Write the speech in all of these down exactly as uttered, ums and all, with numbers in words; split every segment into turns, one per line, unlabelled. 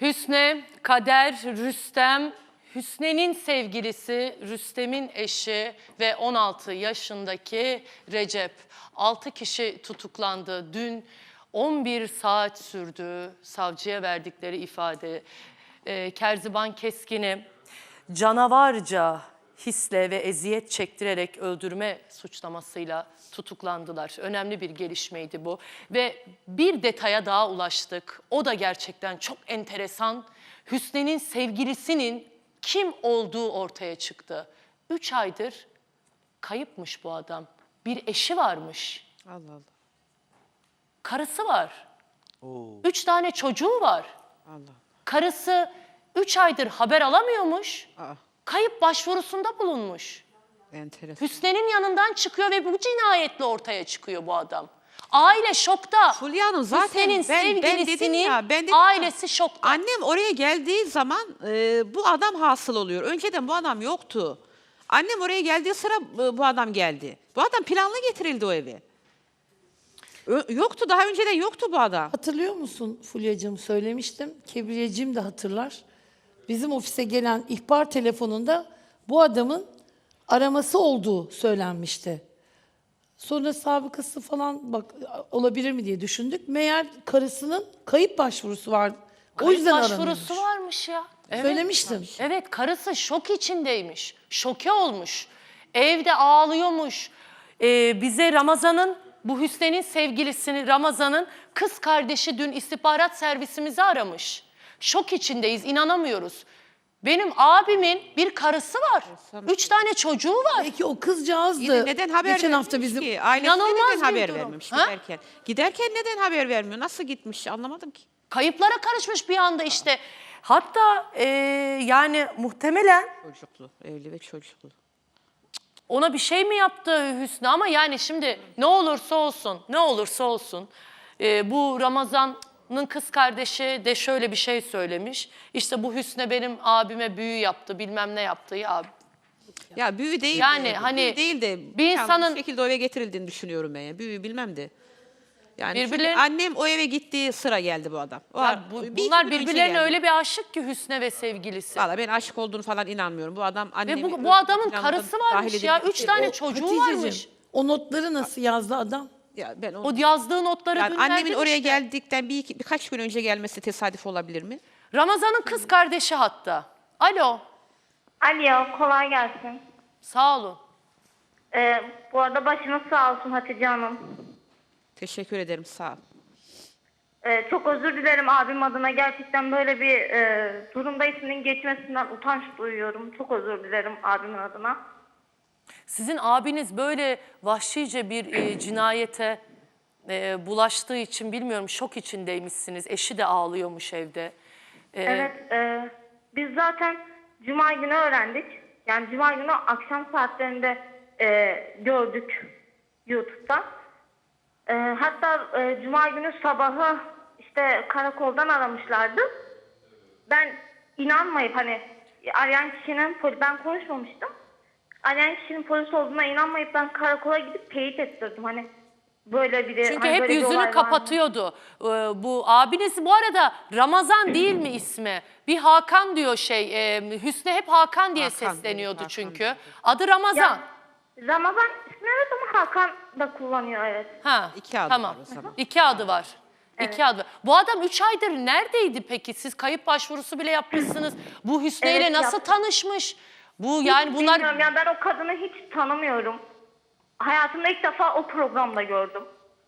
Hüsne, Kader, Rüstem, Hüsne'nin sevgilisi, Rüstem'in eşi ve on altı yaşındaki Recep. altı kişi tutuklandı. Dün on bir saat sürdü savcıya verdikleri ifade. Ee, Kerziban Keskin'i canavarca hisle ve eziyet çektirerek öldürme suçlamasıyla tutuklandılar. Önemli bir gelişmeydi bu. Ve bir detaya daha ulaştık. O da gerçekten çok enteresan. Hüsne'nin sevgilisinin kim olduğu ortaya çıktı. Üç aydır kayıpmış bu adam. Bir eşi varmış.
Allah Allah.
Karısı var.
Oo.
Üç tane çocuğu var.
Allah.
Karısı üç aydır haber alamıyormuş.
Aa,
Kayıp başvurusunda bulunmuş.
enteresan.
Hüsnü'nün yanından çıkıyor ve bu cinayetle ortaya çıkıyor bu adam. Aile şokta.
Fulya Hanım zaten
Hüsnü'nün
ben, ben dedim
sevgilisinin
ya, ben dedim
ailesi
ya,
şokta.
annem oraya geldiği zaman e, bu adam hasıl oluyor. Önceden bu adam yoktu. Annem oraya geldiği sıra e, bu adam geldi. Bu adam planlı getirildi o eve. Ö- yoktu, daha önceden yoktu bu adam.
Hatırlıyor musun Fulya'cığım, söylemiştim. Kebriyeciğim de hatırlar. Bizim ofise gelen ihbar telefonunda bu adamın araması olduğu söylenmişti. Sonra sabıkası falan bak olabilir mi diye düşündük. Meğer karısının kayıp başvurusu var. O
Kayıp
yüzden
başvurusu
aranıyormuş.
varmış ya. Evet.
Söylemiştim.
Evet, karısı şok içindeymiş. Şoke olmuş. Evde ağlıyormuş. Ee, bize Ramazan'ın, bu Hüsnü'nün sevgilisini Ramazan'ın kız kardeşi dün istihbarat servisimizi aramış. Şok içindeyiz, inanamıyoruz. Benim abimin bir karısı var. Üç tane çocuğu var.
Peki o kızcağız
Yine
da
neden haber
geçen hafta
vermemiş
bizim
ki? Ailesine
İnanılmaz
neden
bir
haber
durum.
vermemiş
Ha?
giderken? Giderken neden haber vermiyor? Nasıl gitmiş anlamadım ki.
Kayıplara karışmış bir anda işte. Hatta e, yani muhtemelen
Çocuklu, evli ve çocuklu.
ona bir şey mi yaptı Hüsnü, ama yani şimdi ne olursa olsun, ne olursa olsun e, bu Ramazan'ın kız kardeşi de şöyle bir şey söylemiş. İşte bu Hüsnü benim abime büyü yaptı, bilmem ne yaptı ya.
Ya büyü değil.
Yani
de,
hani
büyü değil de
bir
yani
insanın-
bu şekilde o eve getirildiğini düşünüyorum ben ya. Büyü bilmem de. Yani çünkü
Birbirlerin-
annem o eve gittiği sıra geldi bu adam. O
Ya
ar-
bu-
bir iki
bunlar
gün önce
birbirlerine
geldi.
öyle bir aşık ki Hüsnü ve sevgilisi.
Valla ben aşık olduğunu falan inanmıyorum. Bu adam annemi...
Ve bu,
öldürme
bu adamın
planına
karısı
dahil
varmış ya.
edilmiş.
Üç tane
O
çocuğu
Hatice'cim,
varmış.
o notları nasıl yazdı adam?
Ya ben o,
O yazdığı notları
yani
dün
annemin
verdin
oraya
işte.
geldikten bir iki, birkaç gün önce gelmesi tesadüf olabilir mi?
Ramazan'ın kız kardeşi hatta. Alo,
Alo, kolay gelsin.
sağ olun.
Ee, bu arada başınız sağ olsun Hatice Hanım.
Teşekkür ederim, sağ ol.
Ee, çok özür dilerim abim adına. Gerçekten böyle bir e, durumda isminin geçmesinden utanç duyuyorum. Çok özür dilerim abimin adına.
Sizin abiniz böyle vahşice bir e, cinayete e, bulaştığı için bilmiyorum, şok içindeymişsiniz. Eşi de ağlıyormuş evde. E,
Evet, e, biz zaten Cuma günü öğrendik. Yani Cuma günü akşam saatlerinde e, gördük YouTube'da. E, hatta e, Cuma günü sabahı işte karakoldan aramışlardı. Ben inanmayıp hani arayan kişinin poli- ben konuşmamıştım. Arayan kişinin polis olduğuna inanmayıp ben karakola gidip teyit ettirdim. Hani böyle biri
Çünkü
hani
hep
böyle bir olay
yüzünü
var mı?
kapatıyordu. E, bu abiniz bu arada Ramazan değil mi ismi? Bir Hakan diyor şey. E, Hüsnü hep Hakan diye
Hakan,
sesleniyordu
evet, Hakan
çünkü.
diyor.
Adı Ramazan.
Ya, Ramazan ismi evet ama Hakan da kullanıyor evet.
Ha,
İki adı
tamam.
var o zaman.
İki adı var. İki adı var. Bu adam üç aydır neredeydi peki? Siz kayıp başvurusu bile yapmışsınız. Bu Hüsnü ile
Evet,
nasıl
yaptım.
tanışmış? Bu yani bunlar
Bilmiyorum yani ben o kadını hiç tanımıyorum. Hayatımda ilk defa o programda gördüm.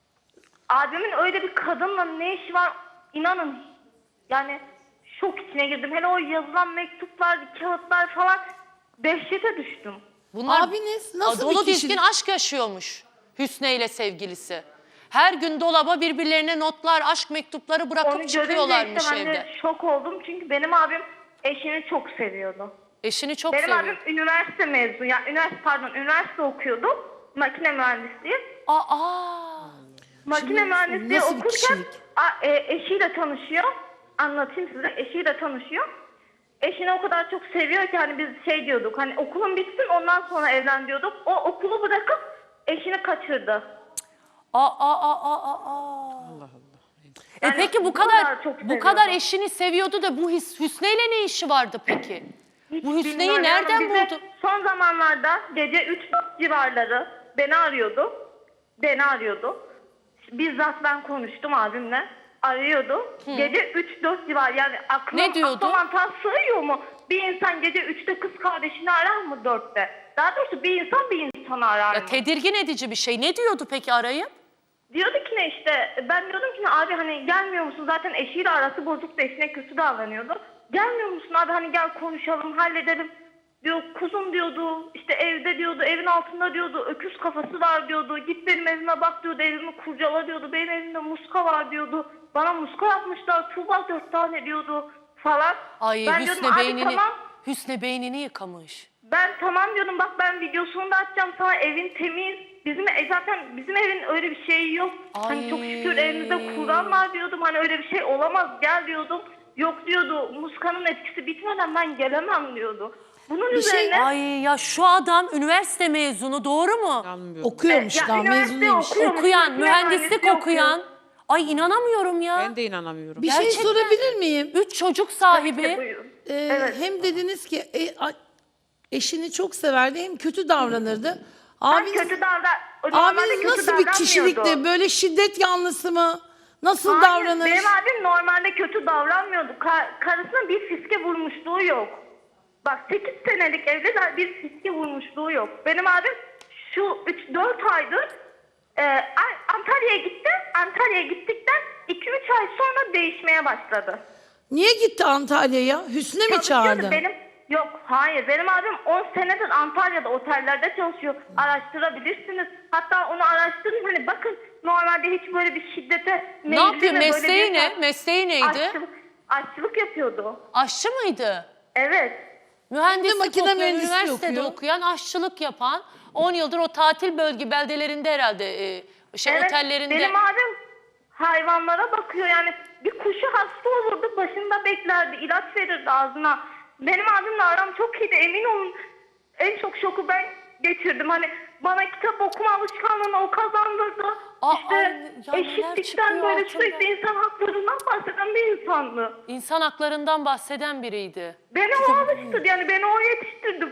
Abimin öyle bir kadınla ne işi var inanın. Yani şok içine girdim. Hele o yazılan mektuplar, kağıtlar falan dehşete düştüm.
bunlar
Abiniz nasıl
dolu
bir kişi?
dizgin aşk yaşıyormuş Hüsnü ile sevgilisi. Her gün dolaba birbirlerine notlar, aşk mektupları bırakıp
Onu görünce
çıkıyorlarmış
işte ben
evde.
de şok oldum. Çünkü benim abim eşini çok seviyordu.
Eşini çok
Benim
seviyor.
abim üniversite mezunu. Yani üniversite pardon üniversite okuyordu. Makine mühendisliği.
Aa, aa.
Makine mühendisliği
nasıl bir
okurken
kişilik?
a- e, eşiyle tanışıyor. Anlatayım size. Eşiyle tanışıyor. Eşini o kadar çok seviyor ki hani biz şey diyorduk. Hani okulun bitsin ondan sonra evlen diyorduk. O okulu bırakıp eşini kaçırdı.
Aa, aa, aa, aa, aa.
Allah Allah.
E
Yani
peki bu kadar
çok
bu kadar
seviyordu.
eşini seviyordu da bu Hüs- Hüsnü'yle ne işi vardı peki?
Hiç
Bu Hüsnü'yü
bilmiyorum.
nereden
Yani bize
buldu?
Son zamanlarda gece üç dört civarları beni arıyordu. Beni arıyordu. Bizzat ben konuştum abimle. Arıyordu. Gece üç dört civar yani aklım,
Ne diyordu?
akla mantığa sığıyor mu? Bir insan gece üçte kız kardeşini arar mı dörtte? Daha doğrusu bir insan bir insanı arar
Ya
mı?
tedirgin edici bir şey. Ne diyordu peki arayıp?
Diyordu ki ne işte ben diyordum ki ne abi hani gelmiyor musun zaten eşiyle arası bozuk da eşine kötü davranıyordu. Gelmiyor musun abi hani gel konuşalım halledelim diyor kuzum diyordu işte evde diyordu evin altında diyordu öküz kafası var diyordu git benim evime bak diyordu evimi kurcala diyordu benim evimde muska var diyordu bana muska yapmışlar Tuğba dört tane diyordu falan.
Ay
Ben
Hüsnü
diyordum, abi
beynini
tamam.
Hüsnü beynini yıkamış.
Ben tamam diyordum bak ben videosunu da atacağım sana evin temiz. Bizim e, zaten bizim evin öyle bir şeyi yok. Hani
Ay.
çok şükür evimizde Kur'an var diyordum. Hani öyle bir şey olamaz gel diyordum. Yok diyordu muskanın etkisi bitmeden ben gelemem diyordu. Bunun
Bir şey-
üzerine
Ay ya şu adam üniversite mezunu doğru mu?
İnanmıyorum.
Okuyormuş
Ya,
daha mezun
üniversite
değilmiş.
okuyor.
Okuyan,
Makine
mühendislik
mühendisliği
okuyan. Ay inanamıyorum ya.
Ben de inanamıyorum.
Bir şey
Gerçekten.
sorabilir miyim?
Üç çocuk sahibi.
İşte buyurun.
Ee,
Evet.
Hem dediniz ki e, a- eşini çok severdi hem kötü davranırdı.
Ben
Abiniz,
kötü davran... normalde
abiniz
kötü
nasıl bir
davranmıyordu.
kişilikti? Böyle şiddet yanlısı mı? Nasıl
Hayır,
davranır?
benim abim normalde kötü davranmıyordu. Ka- karısına bir fiske vurmuşluğu yok. Bak sekiz senelik evliler bir fiske vurmuşluğu yok. Benim abim şu üç dört aydır e, An- Antalya'ya gitti. Antalya'ya gittikten iki üç ay sonra değişmeye başladı.
Niye gitti Antalya'ya? Hüsnü mü
Çalışıyordu.
çağırdı?
Benim yok hayır benim abim on senedir Antalya'da otellerde çalışıyor. Araştırabilirsiniz. Hatta onu araştırın hani bakın normalde hiç böyle bir şiddete
Ne yapıyor?
meyilli ve böyle
Mesleği
bir-
ne? Mesleği neydi?
Aşçılık, aşçılık yapıyordu.
Aşçı mıydı?
Evet.
Mühendislik
makine
okuyan,
mühendisliği
üniversitede
okuyor.
okuyan, aşçılık yapan, on yıldır o tatil bölge beldelerinde herhalde e, şey
evet.
otellerinde.
Benim abim hayvanlara bakıyor yani bir kuşu hasta olurdu başında beklerdi ilaç verirdi ağzına. Benim abimle aram çok iyiydi emin olun. En çok şoku ben geçirdim. Hani bana kitap okuma alışkanlığını o kazandırdı.
Aa,
işte
ay, ya neler
eşitlikten
çıkıyor
böyle
altından.
sürekli insan haklarından bahseden bir insandı.
İnsan haklarından bahseden biriydi.
Beni o alıştırdı yani beni o yetiştirdi.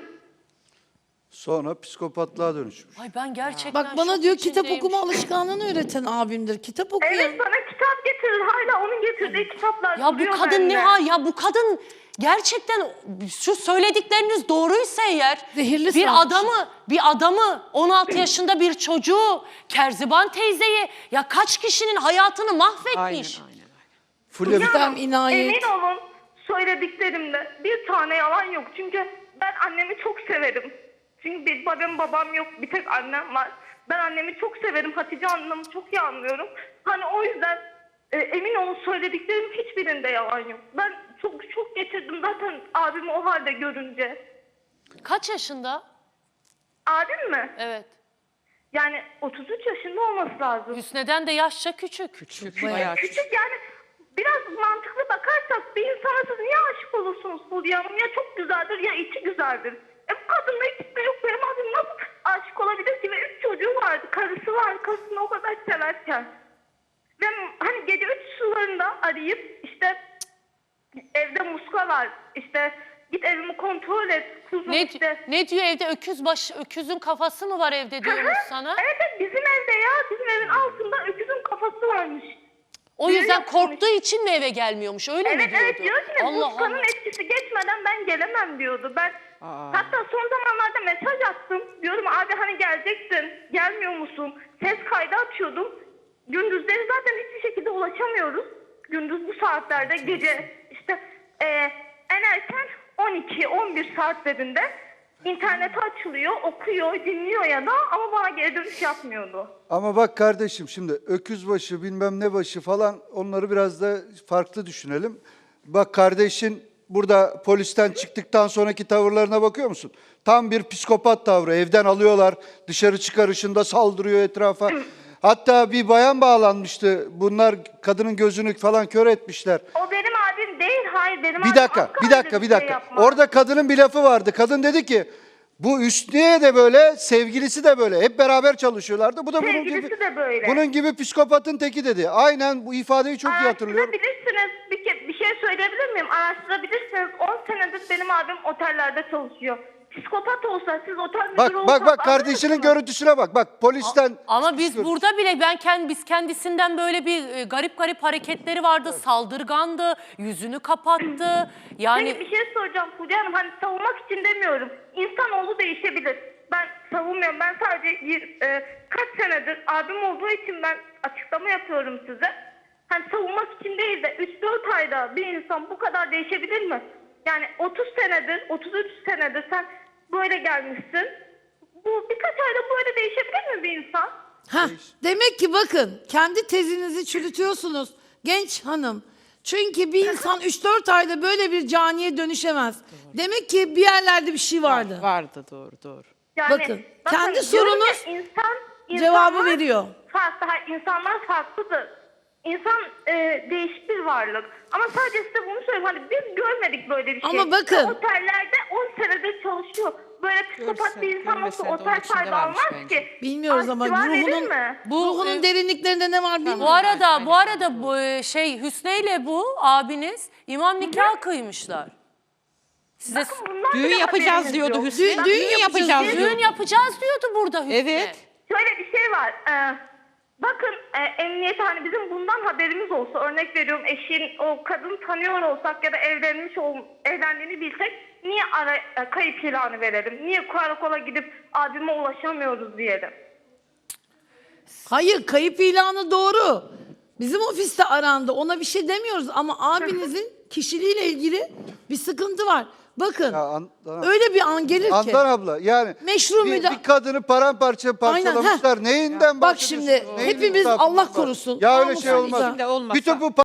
Sonra psikopatlığa dönüşmüş.
Ay ben gerçekten
Bak bana
şok
diyor kitap
içindeyim.
okuma alışkanlığını öğreten abimdir. Kitap okuyan.
Evet bana kitap getirir. Hala onun getirdiği kitaplar
Ya bu
duruyor
kadın
bende.
ne ha? Ya bu kadın gerçekten şu söyledikleriniz doğruysa eğer
Zehirli
bir
sarmış.
adamı bir adamı on altı yaşında bir çocuğu Kerziban teyzeyi ya kaç kişinin hayatını mahvetmiş.
Aynen aynen.
Fulya bir-
Rüstem inayet.
Emin olun söylediklerimde bir tane yalan yok. Çünkü ben annemi çok severim. Çünkü bir babam babam yok. Bir tek annem var. Ben annemi çok severim. Hatice Hanım'ı çok iyi anlıyorum. Hani o yüzden e, emin olun söylediklerim hiçbirinde yalan yok. Ben çok çok getirdim zaten abimi o halde görünce.
Kaç yaşında?
Abim mi?
Evet.
Yani otuz üç yaşında olması lazım.
Hüsnü'den de yaşça küçük.
Küçük.
Bayağı
Bayağı küçük.
Küçük yani biraz mantıklı bakarsak bir insana siz niye aşık olursunuz Fulya Hanım? Ya çok güzeldir ya içi güzeldir. E bu kadınla ikisi de yok. Benim abim nasıl aşık olabilir ki? Ve üç çocuğu vardı. Karısı var. Karısını o kadar severken. Ve hani gece üç sularında arayıp işte evde muska var. İşte git evimi kontrol et. Kuzum
Ne,
işte.
ne diyor evde öküz baş öküzün kafası mı var evde diyormuş sana?
Evet evet bizim evde ya. Bizim evin altında öküzün kafası varmış.
O
düğün
yüzden
yapmış.
korktuğu için mi eve gelmiyormuş öyle
Evet
mi diyordu?
evet diyor ki ne,
Allah
muskanın
Allah.
etkisi geçmeden ben gelemem diyordu. Ben
Aa.
hatta son zamanlarda mesaj attım. Diyorum abi hani geleceksin. Gelmiyor musun? Ses kaydı atıyordum. Gündüzleri zaten hiçbir şekilde ulaşamıyoruz. Gündüz bu saatlerde gece işte e, en erken on iki on bir saatlerinde internet açılıyor, okuyor, dinliyor ya da ama bana geri dönüş yapmıyordu.
Ama bak kardeşim şimdi öküz başı bilmem ne başı falan onları biraz da farklı düşünelim. Bak kardeşin burada polisten çıktıktan sonraki tavırlarına bakıyor musun? Tam bir psikopat tavrı. Evden alıyorlar, dışarı çıkarışında saldırıyor etrafa. Hatta bir bayan bağlanmıştı. Bunlar kadının gözünü falan kör etmişler.
O benim abim değil, hayır benim
Bir
abim
dakika,
asla
bir
öyle
dakika, bir
şey
dakika.
yapmaz.
Orada kadının bir lafı vardı. Kadın dedi ki, Bu Hüsniye de böyle, sevgilisi de böyle. Hep beraber çalışıyorlardı. Bu da bunun
Sevgilisi
gibi,
de böyle.
bunun gibi psikopatın teki dedi. Aynen bu ifadeyi çok iyi hatırlıyorum.
Araştırabilirsiniz. Bir, ke- bir şey söyleyebilir miyim? Araştırabilirsiniz. on senedir benim abim otellerde çalışıyor. Psikopat olsa siz otel müdürü
Bak bak
olsanız
bak kardeşinin
anlar mısınız?
görüntüsüne bak. Bak polisten
Ama biz
çıkıyoruz.
burada bile ben kend, biz kendisinden böyle bir e, garip garip hareketleri vardı. Saldırgandı, yüzünü kapattı. Yani
Peki bir şey soracağım Fulya Hanım. Hani savunmak için demiyorum. İnsanoğlu değişebilir. Ben savunmuyorum. Ben sadece yir- e, kaç senedir abim olduğu için ben açıklama yapıyorum size. Hani savunmak için değil de üç dört ayda bir insan bu kadar değişebilir mi? Yani otuz senedir, otuz üç senedir sen böyle gelmişsin. Bu birkaç ayda böyle değişebilir mi bir insan?
Heh, demek ki bakın kendi tezinizi çürütüyorsunuz genç hanım. Çünkü bir insan üç dört ayda böyle bir caniye dönüşemez. Demek ki bir yerlerde bir şey vardı.
Vardı doğru doğru.
Yani,
Bakın, kendi
diyorum
sorunuz
ya, insan,
cevabı
insanlar
veriyor.
Farklı, hayır, insanlar farklıdır. İnsan e, değişik bir varlık. Ama sadece size bunu söyleyeyim. Hani biz görmedik böyle bir şey.
Ama bakın.
Ve otellerde on senedir çalışıyor. Böyle psikopat
Görse-
bir insan nasıl
görmesen de onun
otel
içinde
sahibi
varmış
almaz
bence.
ki?
Bilmiyoruz ama
Arşiva verir
ruhunun,
mi?
Bu,
ruhunun
e,
derinliklerinde ne var bilmiyorum.
bu arada bu arada bu e, şey Hüsnü ile bu abiniz imam nikah kıymışlar. Size
Bakın bundan
Düğün
bile
yapacağız
haberiniz
diyordu
yok.
Hüsnü.
Düğün-
Bak,
düğün
düğün
yapacağız
Biz-
düğün yapacağız diyordu burada Hüsnü.
Evet.
Şöyle bir şey var. Ee, bakın e, emniyet hani bizim bundan haberimiz olsa örnek veriyorum eşin o kadın tanıyor olsak ya da evlenmiş ol, evlendiğini bilsek niye ara, e, kayıp ilanı verelim? Niye karakola gidip abime ulaşamıyoruz diyelim?
Hayır kayıp ilanı doğru. Bizim ofiste arandı ona bir şey demiyoruz ama abinizin kişiliğiyle ilgili bir sıkıntı var. Bakın
Ya Handan-
öyle bir an gelir ki.
Handan abla yani
Meşru
bir,
müda-
bir kadını paramparça parçalamışlar. Neyinden
Bak
bahsediyorsun?
şimdi
Neyin
hepimiz
insafı
Allah
var?
korusun.
Ya öyle
namus
şey olmaz.
içinde
içinde olmasa.
Bütün bu pa-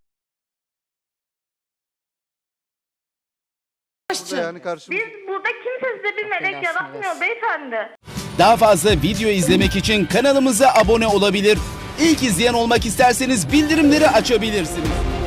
Uğraşçı.
yani karşımızda.
Biz burada kimse size bir melek
belasını
yaratmıyor
versin.
beyefendi.
Daha fazla video izlemek için kanalımıza abone olabilir. İlk izleyen olmak isterseniz bildirimleri açabilirsiniz.